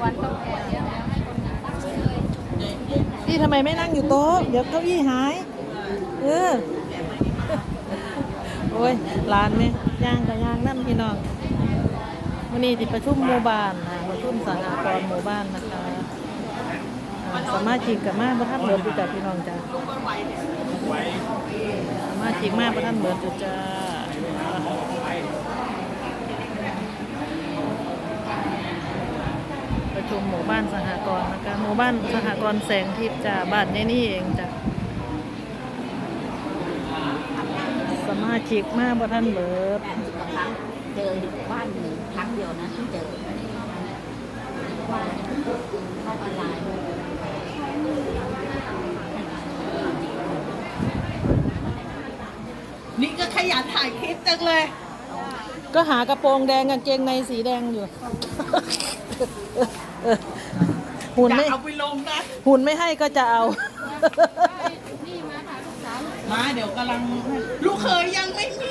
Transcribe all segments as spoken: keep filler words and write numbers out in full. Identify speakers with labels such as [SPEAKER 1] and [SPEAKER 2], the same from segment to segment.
[SPEAKER 1] วันต้องแก่เยอะแล้วให้คนนั่งเลย
[SPEAKER 2] พี่ทำไมไม่นั่งอยู่โต๊ะเดี๋ยวเก้าอี้หายเออโอ้ยร้านไหมย่างกับย่างน้ำพี่น้องวันนี้ติดประชุมหมู่บ้านนะประชุมสหกรณ์หมู่บ้านนะคะอ่าสามารถชิกกับมาประทับเหมือนจุจ้าพี่น้องจ้าสามารถชิกมาประทับเหมือนจุจ้าประชุมหมู่บ้านสหกรณ์นะคะหมู่บ้านสหกรณ์แสงทิพย์จ้าบ้านนี่นี่เองจ้าสมาชิกมาประทันเบิด
[SPEAKER 1] แปดสิบกว่าครั้งเจอบ้านหนึ่งครั้งเดียวนะที่เจอว่าเข้าออนไลน์
[SPEAKER 3] นี่ก็ขยันถ่ายคลิปจังเลย
[SPEAKER 2] ก็หากระโปรงแดงกางเกงในสีแดงอยู่ หุ่น
[SPEAKER 3] อย่า
[SPEAKER 2] ไม่
[SPEAKER 3] เอาไปลงนะ
[SPEAKER 2] หุ่นไม่ให้ก็จะเอา
[SPEAKER 3] มาเดี๋ยวกำลัง ลูกเคยยังไม่มี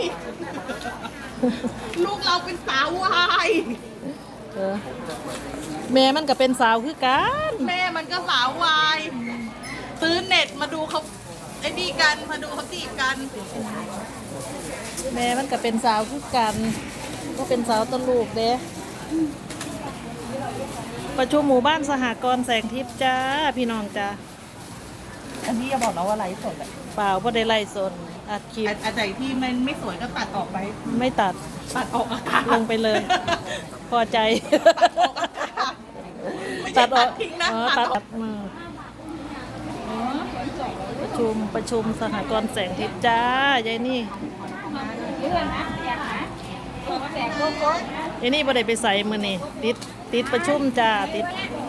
[SPEAKER 3] ลูกเราเป็นสาววาย
[SPEAKER 2] เออแม่มันก็เป็นสาวคือกัน
[SPEAKER 3] แม่มันก็สาววาย ซื้อเน็ตมาดูเขาไอ้นี่กัน มาดูเขาจีบกัน
[SPEAKER 2] แม่มันก็เป็นสาวคือกัน ก็เป็นสาวตลูกเด้ประชุมหมู่บ้านสหกรณ์แสงทิพย์จ้าพี่น้องจ้า
[SPEAKER 3] อันนี้อย่าบอกนะว่าไลฟ์สดอะ
[SPEAKER 2] เปล่าก็ได้ไล่สนอัดคลิป
[SPEAKER 3] อันไหนที่มันไม่สวยก็ตัดออกไป
[SPEAKER 2] ไม่ตัด
[SPEAKER 3] ตัดออกอากาศ
[SPEAKER 2] ลงไปเลย พอใจ
[SPEAKER 3] ตัดออกอากาศไม่ใช่ตัดทิ้งนะ
[SPEAKER 2] อ๋อ
[SPEAKER 3] ตั
[SPEAKER 2] ตั
[SPEAKER 3] ด
[SPEAKER 2] ด
[SPEAKER 3] ออก
[SPEAKER 2] มาประชุมประชุมสหกรณ์แสงทิพย์จ้ายายนี่ยายนี่บ่ได้ไปใส่มือนี่ติดติดประชุมจ้าติด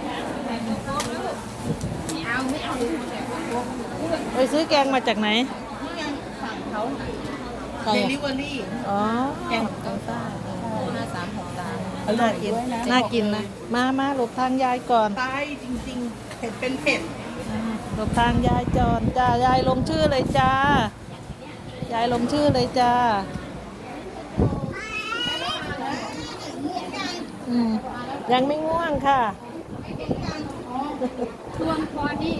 [SPEAKER 2] ไปซื้อแกงมาจากไหน
[SPEAKER 3] นี่ไงสั่งเขา
[SPEAKER 2] ใคร
[SPEAKER 3] เด
[SPEAKER 2] อะ
[SPEAKER 3] ลิเวอรี่
[SPEAKER 2] อ๋อ
[SPEAKER 3] แกงกังซ่าห้าสามหกสามอร่
[SPEAKER 2] น่า
[SPEAKER 3] อย
[SPEAKER 2] กิน
[SPEAKER 3] ด้วยนะ
[SPEAKER 2] น่ากินนะมามาหลบทางยายก่อน
[SPEAKER 3] ตายจริงๆ เผ็ดเป็นเผ็ด
[SPEAKER 2] หลบทางยายจอนจ้ายายลงชื่อเลยจ้า ยายลงชื่อเลยจ้าอืมยังไม่ง่วงค่ะ
[SPEAKER 1] ทวงพอนี่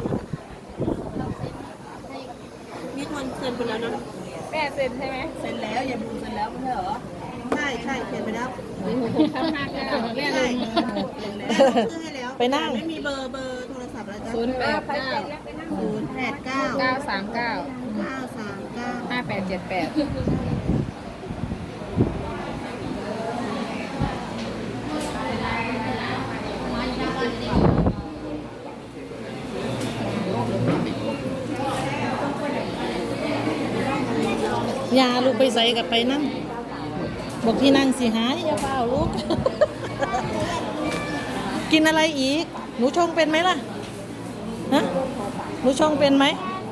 [SPEAKER 3] นี่ทวนเซ็นไปแล้วนะ
[SPEAKER 1] แม่เซ็นใช่ไหม
[SPEAKER 3] เซ็นแล้วอย่าบูเซ็นแล้วไม่ใช่เหรอ ใช่ใช่เซ็นไปแล้ว
[SPEAKER 1] ทำงานกันเรียน
[SPEAKER 3] ใช่
[SPEAKER 1] เลย
[SPEAKER 3] เซ็นแล้วชื่อให้แล้ว
[SPEAKER 2] ไปนั่ง
[SPEAKER 3] ไม่มีเบอร์เบอร์โทรศัพท์แล้วจ้ะ
[SPEAKER 1] ศูนย์แปดเก้า
[SPEAKER 3] ศูนย์แปดเก้า
[SPEAKER 1] เก้าสามเก้า
[SPEAKER 3] เก้าสามเก้า
[SPEAKER 1] ห้าแปดเจ็ดแปด
[SPEAKER 2] ยาลูกไปใส่กับไปนั่งบอกที่นั่งสิหายอย่าเปล่าลูก กินอะไรอีก หนูชงเป็นไหมล่ะฮะหนูชงเป็นไหม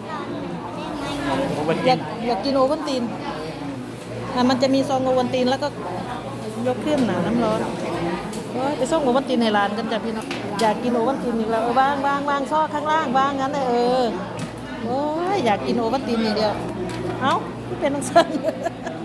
[SPEAKER 2] อยากอยากกินโอวัลตินอ่ะมันจะมีซองโอวัลตินแล้วก็ยกขึ้นน่ะน้ำร้อนโอ้ยไปส่งโอวัลตินให้ร้านกันจ้ะพี่น้องอยากกินโอวัลตินอีกแล้วเออวางวางวางซอกข้างล่างวางงั้นเลยเออโอ้ยอยากกินโอวัลตินอย่างเดียวเอ้าเป็นนังสัน